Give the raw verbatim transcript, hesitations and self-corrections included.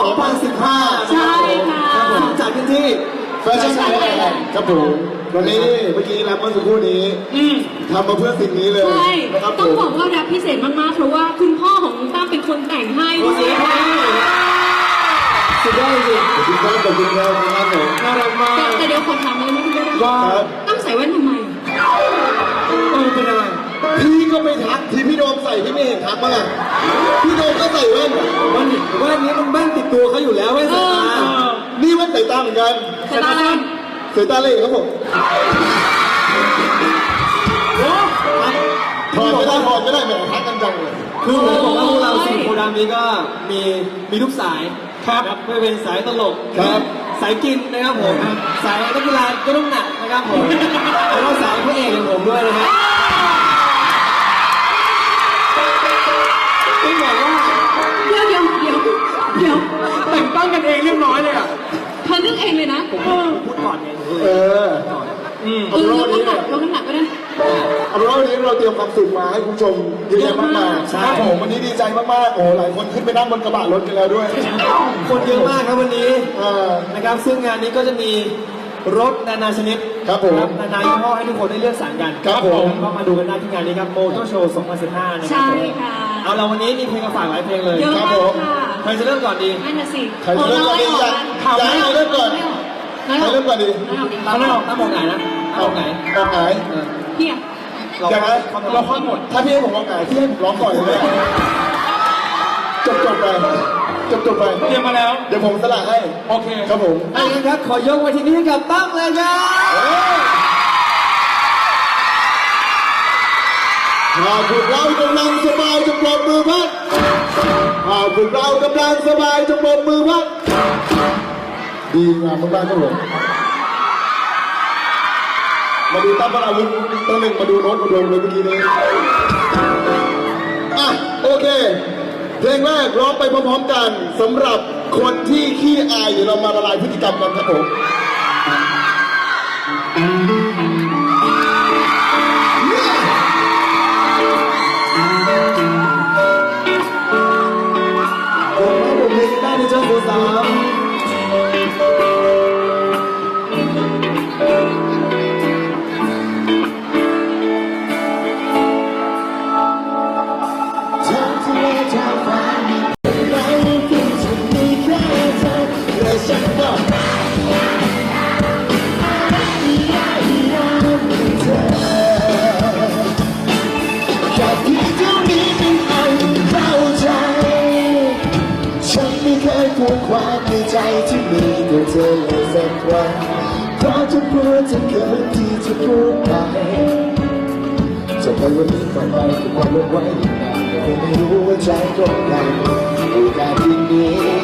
องพันสิบห้าใช่ค่ะจัดกันที่แฟชั่นไทยแลนด์ครับผมวันนี้เมื่อกี้รับเมื่อสักครู่นี้ทำมาเพื่อสิ่งนี้เลยใช่นะครับผต้องมบอกว่ารับพิเศษมากๆเพราะว่าคุณพ่อของน้องตั้มเป็นคนแต่งให้ด้วยนะคะสุดยอดจริงขอบคุณครับขอบคุณครับครับผมน่ารักมากแต่เดี๋ยวคนถามเลยนะคุณได้ว่าตั้มใส่แว่นทำไมเออเป็นอะไรพี่ก็ไปทักที่พี่โดมใส่พี่ไม่เห็นทักมั้งอ่ะพี่โดมก็ใส่แว่นแว่นแว่นนี้มันแว่นติดตัวเขาอยู่แล้วแว่นสายตานี่แว่นสายตาเหมือนกันสายตาอะไรสายตาเล่ครับผมถอดไม่ได้ถอดไม่ได้แหมทักกันจังเลยคือผมบอกว่าพวกเราสี่โพดามนี้ก็มีมีทุกสายครับไม่เป็นสายตลกครับสายกินนะครับผมสายนักกีฬาก็ต้องหนักนะครับผมแล้วก็สายพระเอกอย่างผมด้วยนะฮะต้องบอกว่าเดี๋ยวเดี๋ยวเดี๋ยวเดี๋ยวแต่งตั้งกันเองเรียบร้อยเลยอ่ะเธอนึกเองเลยนะผมพูดก่อนไงผมพูดเอเลยออืมเออยกน้ำหนักยกน้ำหนักก็ได้เอาเป็นว่าวันนี้เราเตรียมความสุขมาให้คุณผู้ชมเยอะแยะมากมายครับผมวันนี้ดีใจมากๆโอ้หลายคนขึ้นไปนั่งบนกระบะรถกันแล้วด้วยคนเยอะมากครับวันนี้เออนะครับซึ่งงานนี้ก็จะมีรถนานาชนิดครับผมนานายี่ห้อให้ทุกคนได้เลือกสรรกันครับผมก็มาดูกันได้ที่งานนี้ครับโมโตโชว์สองพันสิบห้านะครัใช่ผมค่ะเอาเราวันนี้มีเพลงมาฝากหลายเพลงเลยเยอะครับมาผกมค่ะใครจะเริ่มก่อนดีนั่นน่ะสิใครจะเริ่มก่อนดีโอยากอยากให้ใครเริ่มก่อนไม่ใครออกเริ่มก่อนดีไม่ออกตั้งไม่ออกตั้งมองไหนนะตั้งมองไหนออกหายเออเพี้ยเราอย่างนั้นเราค่อยหมดถ้าพี่ให้ผมออกหายพี่ให้ผมร้องก่อนเลยจบจบไปจบจบไปเตรียมมาแล้วเดี๋ยวผมสละให้โอเคครับผมเอาอย่างนั้นครับขอยกไว้ที่นี้ให้กับตั้งเลยครับหากพวกเรากำลังสบายจงปรบมือพัดหากพวกเรากำลังสบายจงปรบมือพัดดีงามมากๆครับผมมาดูตั้มอาวุธตัวหนึ่งมาดูโน้ตอุดมเลยเมื่อกี้นี้อ่ะโอเคเพลงแรกร้องไปพร้อมๆกันสำหรับคนที่ขี้อายเดี๋ยวเรามาละลายพฤติกรรมกันครับผมได้ในเจ้าสาวความในใจที่มีตัวเธอเลยสักวันเพราะจะพูดจะเกินที่จะพูดไปจะไปวันนี้ต่อไปคือความลงไว้อีกนานแต่คงไม่รู้ว่าใจตรงกันโอกาสที่นี้